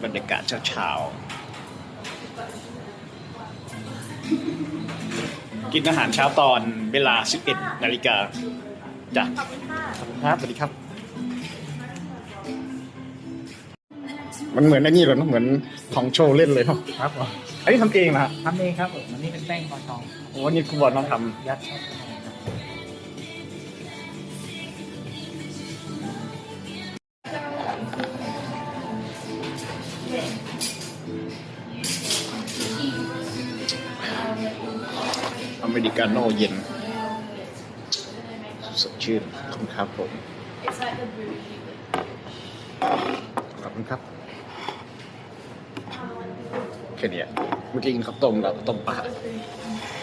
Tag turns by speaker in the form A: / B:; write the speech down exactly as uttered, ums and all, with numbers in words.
A: บรรยากาศเช้าๆกินอาหารเช้าตอนเวลา สิบเอ็ด นาฬิกาจ้ะขอบคุณครับสวัสดีครับมันเหมือนไอ้นี่เลยเนอะเหมือนของโชว์เล่นเลยเนาะ
B: ครับผม
A: อันนี้ทำเองนะฮะ
B: ทำเองครับผมอันนี้เป็นแป้งปอทอง
A: โอ้นี่คุณบอลน้องท
B: ยัดเข้าไปครับ
A: ำอเมริกาโน่เย็นสดชื่นขอบคุณครับผมขอบคุณครับแค่นี้เมื่อกี้กินข้าวต้มแล้วต้มปลา